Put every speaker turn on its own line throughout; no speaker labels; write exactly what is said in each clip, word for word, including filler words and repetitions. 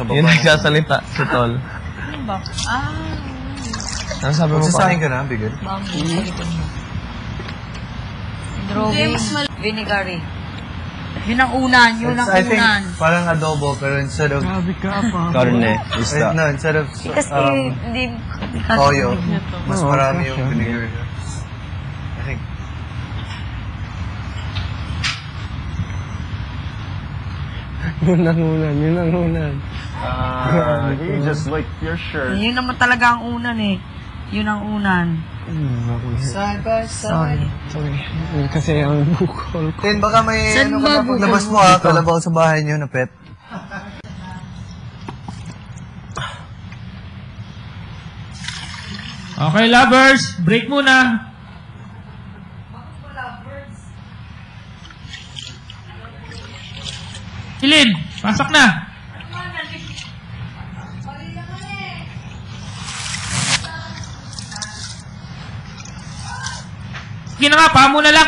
sa baba.
Yung nagsasalita, si Tol.
Ano ba? Ah.
Ano sabi mo pa?
Magsasahin ka na, bigil.
Bambu sa likod mo. Droving. Vinegary. Yun ang unan, yun ang
I think
unan.
parang adobo, pero instead of...
Grabe ka pa.
Karne, isda.
No, instead of
Kasi
um,
hindi...
toyo, mas
Oo,
marami
okay,
yung
sure.
vinegar. I think.
Yun ang unan, yun ang unan.
Ah, you just like your shirt.
Yun naman talaga ang unan eh. Yun ang unan.
Side by
Sorry.
Sorry. Kasi ang bukol ko.
Tin, baka may
Saan
ano
ba
ka na paglabas mo ha, kalabaw sa bahay niyo na pet.
Okay, lovers. Break muna. Ilin, pasok na. Sige na nga, paa muna lang.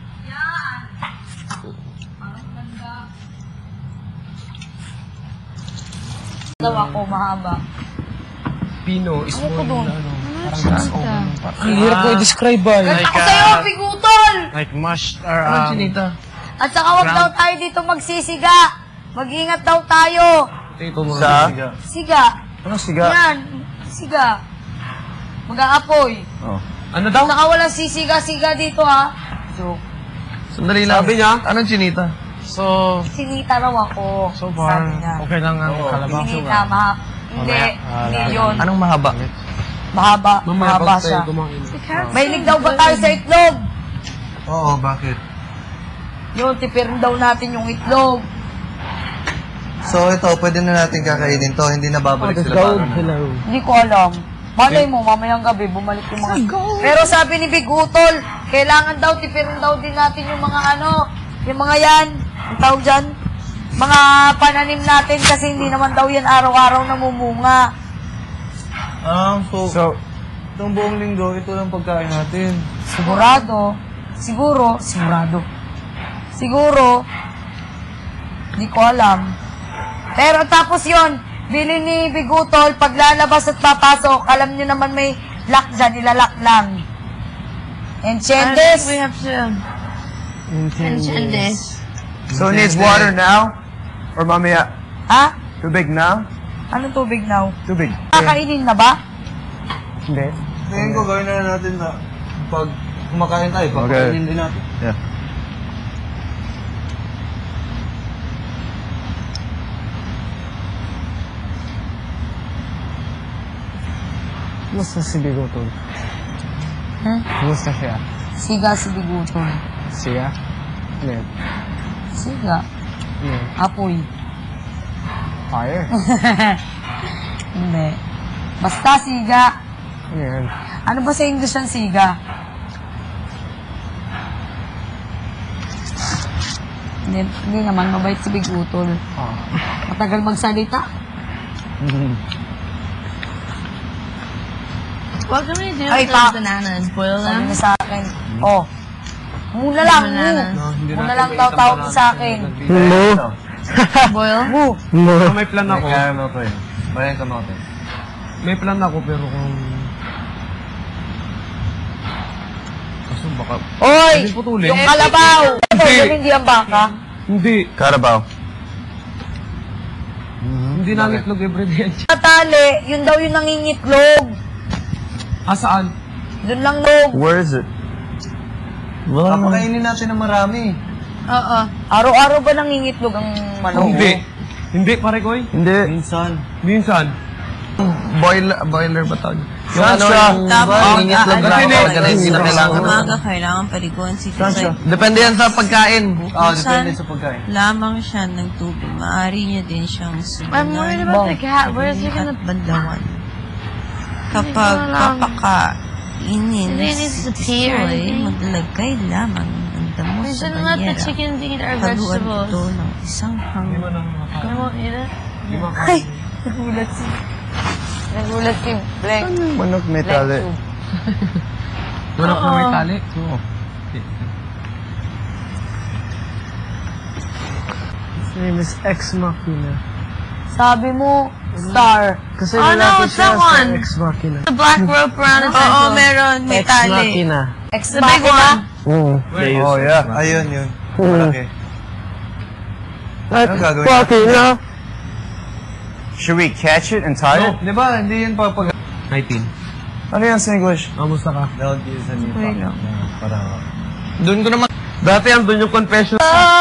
Daw ako, mahaba.
Pino is
Ano ko doon?
ang hirap ko i-describe ba?
Ganda ko sa'yo, pigutol!
Like mashed or
Ano,
um...
Chinita?
At saka wag daw tayo dito magsisiga. Mag-ingat daw tayo.
Sa?
Siga.
Ano siga?
Yan. Siga. Mag-aapoy.
Oh.
Ano daw?
Saka walang sisiga-siga dito, ha? Joke.
Sandali lang.
Sabi niya?
Anong chinita?
So,
Sinita raw ako.
so far,
Sabi niya.
okay lang ang
Oo.
kalabaw.
Sinita, maha... Hindi.
Mamaya.
Hindi
Ah,
yun.
Anong mahaba?
Mahaba.
Mamaya
Mahaba
pag
siya.
tayo kumain.
Mahilig daw ba tayo sa itlog?
Oo, bakit?
Yun, tipirin daw natin yung itlog.
So ito, pwede na natin kakainin to, hindi na babalik sila
Hello,
para na.
hello.
Hindi ko alam. Malay mo, mamayang gabi, bumalik yung mga... Pero sabi ni Big Utol, kailangan daw, tipirin daw din natin yung mga ano, yung mga yan, ang tawag dyan, mga pananim natin kasi hindi naman daw yan araw-araw namumunga.
Ah, so,
So,
itong buong linggo, ito lang pagkain natin.
Sigurado, siguro, sigurado, siguro, hindi ko alam. Pero tapos yon, bili ni Bigutol, paglalabas at papasok, alam niyo naman may lock dyan, ilalak lang. Enchendes.
We have to mention this.
So it needs water now? Or mamaya?
Ha?
Tubig now?
Anong tubig now?
Tubig.
Kakainin na ba?
hindi.
Tingin ko, gawin na natin na pag kumakain tayo, papakainin din natin.
Yeah.
Kumusta si Bigotol?
Hmm?
Kumusta siya?
Siga si Bigutol.
Siya? Hindi.
Siga.
Hindi.
Apoy.
Fire?
Hindi. Basta siga.
Ano yan?
Ano ba sa English ang siga? Hindi, hindi naman, mabait si Big Utol.
Ah.
Matagal magsalita.
What can we do
Ay,
with
pa-
those bananas? Boil
Sabi
them?
niya sa akin, oh, muna lang, mu.
Bananas.
No, hindi
Muna
natin
lang
may
daw
isang
tawag
banana
sa akin.
Hello?
Boil?
Mu.
No. May plan
May
ako.
caramel pa yun. Bayan kamote.
May plan ako pero kung...
Kaso baka...
Oy!
Hindi putulin.
Yung kalabaw!
Hindi.
Yung hindi ang baka.
Hindi.
Carabao.
Hindi nangitlog everyday yan.
Katali, yun daw yung nangingitlog.
Ah, saan?
Doon lang log.
Where is it? Wala naman.
Papakainin natin ng marami.
Oo.
Araw-araw ba nangingitlog ang manok?
Hindi. Hindi, pare ko eh.
Hindi.
Minsan.
Minsan.
Boiler, boiler ba tawag? Yung
Saan
ano,
siya?
yung
Tapos,
nangingitlog
ah,
na
ano,
ako, ganun, hindi na
Sa
kailangan.
umaga, kailangan paliguan si
Saan siya?
Tusay.
Depende yan sa pagkain.
Oo, depende sa pagkain.
Lamang siya ng tubig. Maaari niya din siyang I'm worried subunan. about the cat. Where is he gonna... At bandawan. Kapag papakainin si Tisoy, maglagay lamang ng damo
We
sa
shouldn't let the
banyera.
chickens eat our
Haluan ito
vegetables.
ng isang hang.
I won't eat it.
Ay, nagulat si... Nagulat si Blank.
Manok may tali.
Manok na may tali.
Oo.
His name is Ex Machina.
Sabi mo, star.
Kasi
Oh, no,
nilapit
it's
siya
that
sa
one.
Ex Machina.
The black rope around his
Oo,
Oo, meron. May
Ex
tali.
Machina.
Ex
The big
machina.
one.
Mm.
Oh, yeah. Ayun, yun. Malaki.
Ex
Anong gagawin
Machina.
Should we catch it and tie it?
Di ba, hindi yun papag...
nineteen.
Ano yan sa English?
Kamusta ka?
Don't use any
Okay lang.
Para...
Doon ko naman. Dati andun yung confession.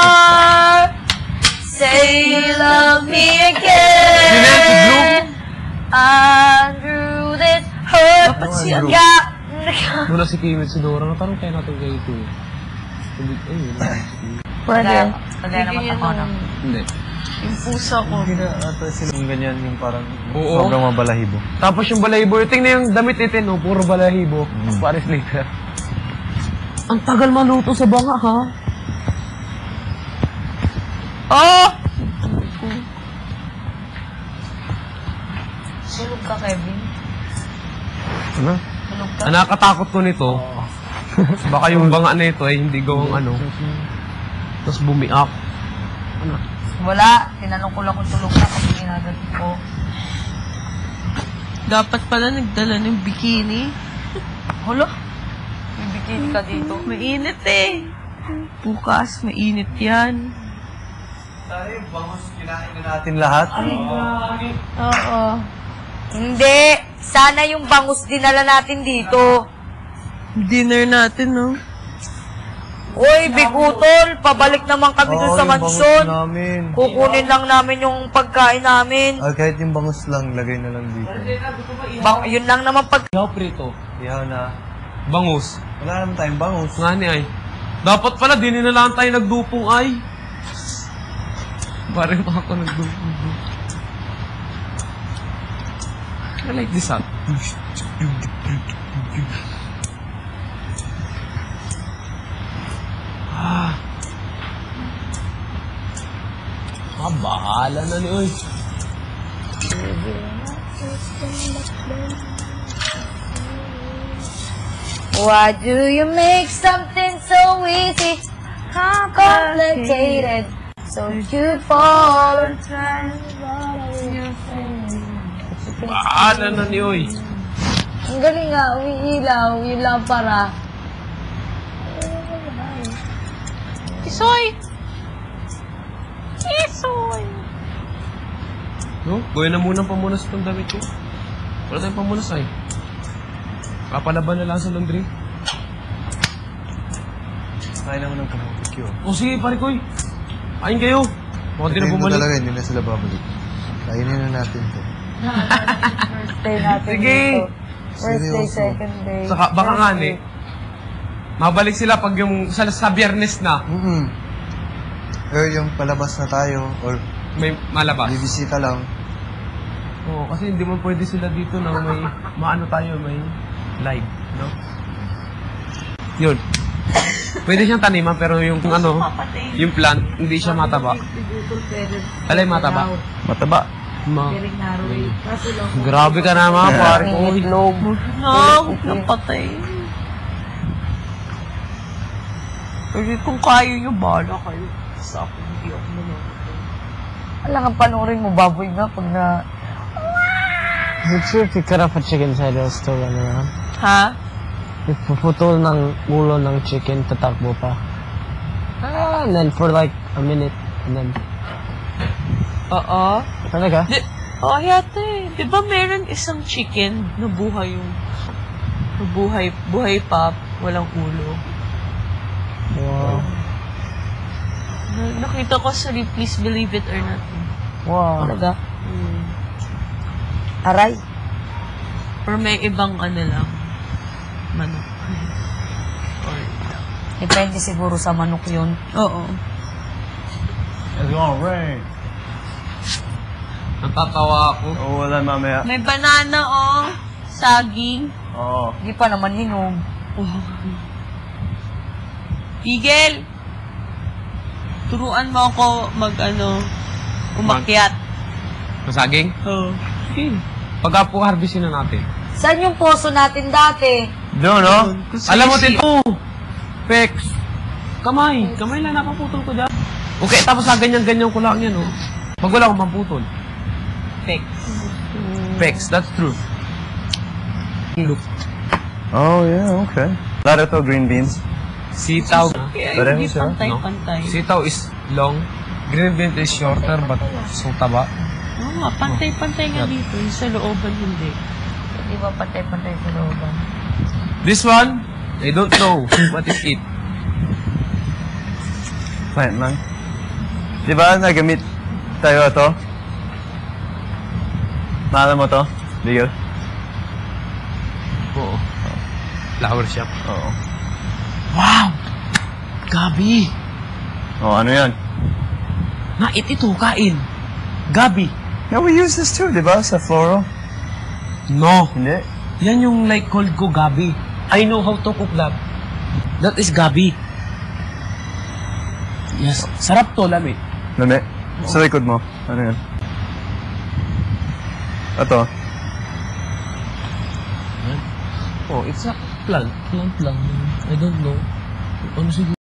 Say you love me again. Andrew, this hurt.
Dapat si ano?
Got...
Mula si Kim at si Dora. Natanong kaya natin kay ito. Sabi, ay, yun na.
Pwede. Pwede
Bigyan
naman
niya
ako na.
ng
Hindi.
yung pusa ko.
Hindi na ata sila yung ganyan, yung parang
Oo.
sobrang mabalahibo.
Tapos yung balahibo. Tingnan yung damit itin, no? Puro balahibo.
Mm.
Paris later. Ang tagal maluto sa banga, ha?
Oh! Sulog ka, Kevin.
Ano?
Sulog ka.
Ang nakakatakot ko nito, baka yung banga na ito ay hindi gawang ano. Tapos bumiak.
Wala. Tinanong ko lang kung tulog na kasi ginagat ko.
Dapat pala nagdala ng bikini.
Hala? May bikini ka dito.
Mainit eh. Bukas, mainit yan.
Tayo, bangus kinain na natin lahat.
Oo.
Hindi. Sana yung bangus dinala natin dito.
Dinner natin, no?
Uy, Big Utol, pabalik naman kami dun
Oo,
sa
yung bangus
mansyon.
namin.
Kukunin lang namin yung pagkain namin.
Ah, kahit yung bangus lang, lagay na lang dito.
Bang, yun lang naman pag...
Ihaw prito.
Ihaw na.
Bangus.
Wala naman tayong bangus.
Nga ni ay. Dapat pala, di na lang tayo nagdupong ay. Parang pa ako nagdupong. I like this hat. Ah. Ah, bahala na ni Uy.
Why do you make something so easy, complicated, so you fall?
Bahala na ni Uy.
Ang galing nga, umiilaw, yun lang para.
Kisoy! Kisoy!
No? Gawin na muna ang pamunas itong damit ko. Wala tayong pamunas ay. Papalaban na lang sa laundry.
Kain naman ng barbecue.
O sige, pare ko eh. Kain kayo. Baka di na
Tingin ko
bumalik.
talaga, hindi na sila babalik. Kainin na natin to.
First day natin
Sige.
dito. First day,
Seryoso.
second day.
Saka, baka
First
nga
day.
ni. Mabalik sila pag yung sa, sa biyernes na
Mm-mm. Or yung palabas na tayo, or
may malabas.
bibisita lang.
Oo, kasi hindi mo pwede sila dito na may maano tayo, may live, no? Yun. Pwede siyang taniman pero yung ano, yung plant, hindi siya mataba. Alay mataba.
Mataba.
Ma. Grabe ka na mga pare ko.
Itlog.
No, huwag nang patay. Kasi kung kaya nyo, bahala kayo. Sa ako, hindi ako naman.
Alam nga, panoorin mo, baboy nga pag na...
Would you if you cut off a chicken head, it'll still run around?
Ha?
If puputol ng ulo ng chicken, tatakbo pa. Ah, and then for like a minute, and then...
Oo.
Talaga?
Di, oh, yata eh. Di ba meron isang chicken na buhay yung... na buhay, buhay pa, walang ulo.
Wow.
Na- nakita ko sa Please Believe It or Not.
Wow.
Talaga?
Hmm.
Aray.
Or may ibang ano lang. Manok. Or...
Depende siguro sa manok yun.
Oo.
It's gonna rain.
Natatawa ako.
Oo, wala mamaya.
May banana, oh. Saging.
Oo.
Hindi pa naman hinog.
Igel! Turuan mo ako mag, ano, umakyat.
Masaging?
Oo.
Okay. Pagka po harvestin na natin.
Saan yung poso natin dati?
Doon, no?
Alam mo, Tito! Pex! Kamay! Kamay lang napaputol ko dyan. Okay, tapos sa ganyan-ganyan ko lang yan, oh. Pag wala akong pamputol. Pex, that's true. Look.
Oh, yeah, okay. Laro to, green beans.
Sitaw.
Pareho siya.
No? Sitaw is long. Green bean is shorter but so taba.
Oo nga, pantay-pantay nga dito. Yung sa looban, hindi.
Hindi ba pantay-pantay sa looban?
This one, I don't know what is it.
Plant lang. Di ba nagamit tayo ito? Maalam mo to? Bigil?
Oo. Flower shop.
Oo.
Wow! Gabi!
Oh, ano yan?
Nait ito, kain. Gabi.
Yeah, we use this too, di ba? Sa floral?
No.
Hindi?
Yan yung like called ko gabi. I know how to cook that. That is gabi. Yes. Sarap to, lami.
Lami? Sa likod mo. Ano yan? Ito.
Oh, it's a plant. Plant lang. I don't know. Ano siguro?